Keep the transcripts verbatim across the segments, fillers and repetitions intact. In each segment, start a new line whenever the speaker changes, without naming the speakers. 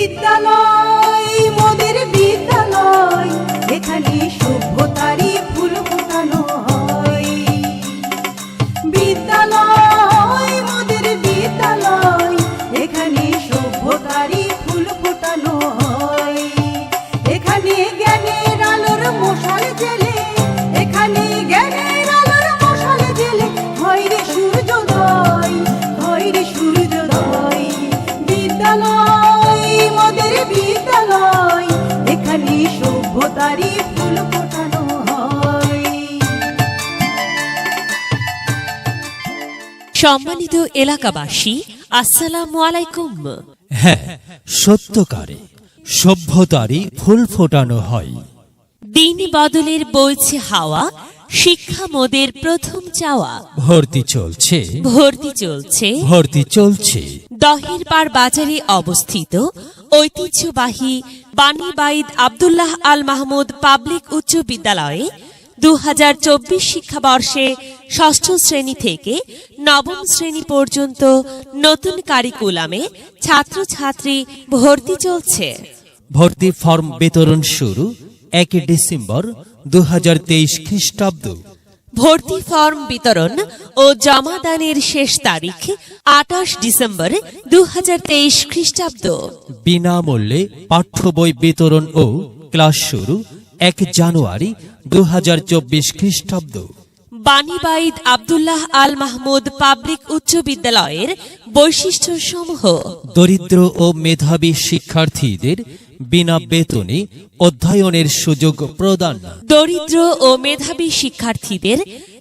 বিদ্যালয় মোদের বিদ্যালয়, এখানে সভ্যতারই ফুল ফোটানো হয়। বিদ্যালয় মোদের বিদ্যালয়, এখানে সভ্যতারই ফুল ফোটানো হয়। এখানে জ্ঞানের আলোর মশাল জেলে, এখানে জ্ঞানের আলোর মশাল জেলে হয় রে সূর্যোদয়, হয় রে সূর্যোদয়। বিদ্যালয় মোদের বিদ্যালয়, এখানে সভ্যতারই ফুল ফোটানো হয়।
সম্মানিত এলাকাবাসী, আসসালামু আলাইকুম।
হ্যাঁ, সত্যকারে সভ্যতারই ফুল ফোটানো হয়।
দিন বদলের বইছে হাওয়া, শিক্ষা মোদের প্রথম চাওয়া।
ভর্তি চলছে,
ভর্তি চলছে
ভর্তি চলছে।
দহের পাড় বাজারে অবস্থিত ঐতিহ্যবাহী বাণীবাঈদ আব্দুল্লাহ আল মাহমুদ পাবলিক উচ্চ বিদ্যালয়ে দু হাজার চব্বিশ শিক্ষাবর্ষে ষষ্ঠ শ্রেণী থেকে নবম শ্রেণী পর্যন্ত নতুন কারিকুলামে ছাত্রছাত্রী ভর্তি চলছে।
ভর্তি ফর্ম বিতরণ শুরু এক ডিসেম্বর দু হাজার তেইশ খ্রিস্টাব্দ।
ভর্তি ফর্ম বিতরণ ও জমাদানের শেষ তারিখ আঠাশ ডিসেম্বর দু হাজার তেইশ খ্রিস্টাব্দ।
বিনামূল্যে পাঠ্য বই বিতরণ ও ক্লাস শুরু এক জানুয়ারি দু হাজার চব্বিশ খ্রিস্টাব্দ।
বাণীবাঈদ আব্দুল্লাহ আল মাহমুদ পাবলিক উচ্চ বিদ্যালয়ের বৈশিষ্ট্য সমূহ:
দরিদ্র ও মেধাবী শিক্ষার্থীদের বিনা বেতনে অধ্যয়নের সুযোগ প্রদান।
দরিদ্র ও মেধাবী শিক্ষার্থীদের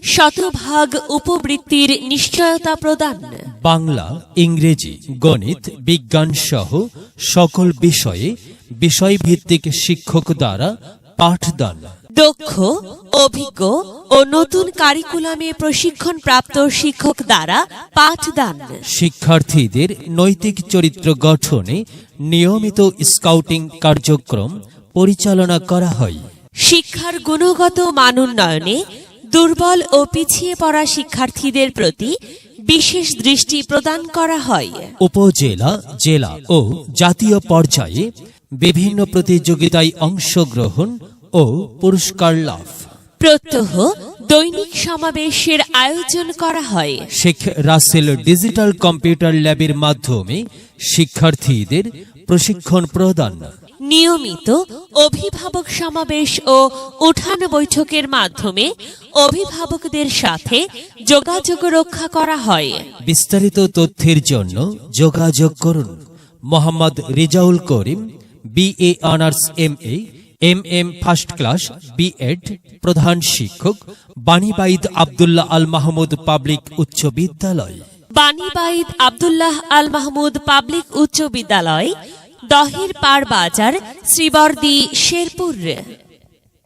শতভাগ উপবৃত্তির নিশ্চয়তা প্রদান।
বাংলা, ইংরেজি, গণিত, বিজ্ঞান সহ সকল বিষয়ে বিষয়ভিত্তিক শিক্ষক দ্বারা পাঠদান।
দক্ষ, অভিজ্ঞ ও নতুন কারিকুলামে প্রশিক্ষণপ্রাপ্ত শিক্ষক দ্বারা পাঠদান।
শিক্ষার্থীদের নৈতিক চরিত্র গঠনে নিয়মিত স্কাউটিং কার্যক্রম পরিচালনা করা হয়।
শিক্ষার গুণগত মান উন্নয়নে দুর্বল ও পিছিয়ে পড়া শিক্ষার্থীদের প্রতি বিশেষ দৃষ্টি প্রদান করা হয়।
উপজেলা, জেলা ও জাতীয় পর্যায়ে বিভিন্ন প্রতিযোগিতায় অংশগ্রহণ ও পুরস্কার লাভ।
প্রত্যহ দৈনিক সমাবেশের আয়োজন করা হয়।
শেখ রাসেল ডিজিটাল কম্পিউটার ল্যাবের মাধ্যমে শিক্ষার্থীদের প্রশিক্ষণ প্রদান।
নিয়মিত অভিভাবক সমাবেশ ও উঠান বৈঠকের মাধ্যমে অভিভাবকদের সাথে যোগাযোগ রক্ষা করা হয়।
বিস্তারিত তথ্যের জন্য যোগাযোগ করুন Mohammad Rezaul Karim, BA honours, M A, M M first class, BEd, প্রধান শিক্ষক, বাণীবাঈদ আব্দুল্লাহ আল মাহমুদ পাবলিক উচ্চ বিদ্যালয়।
বাণীবাঈদ আব্দুল্লাহ আল মাহমুদ পাবলিক উচ্চ বিদ্যালয়, দহের পাড় বাজার, শ্রীবর্দী, শেরপুর।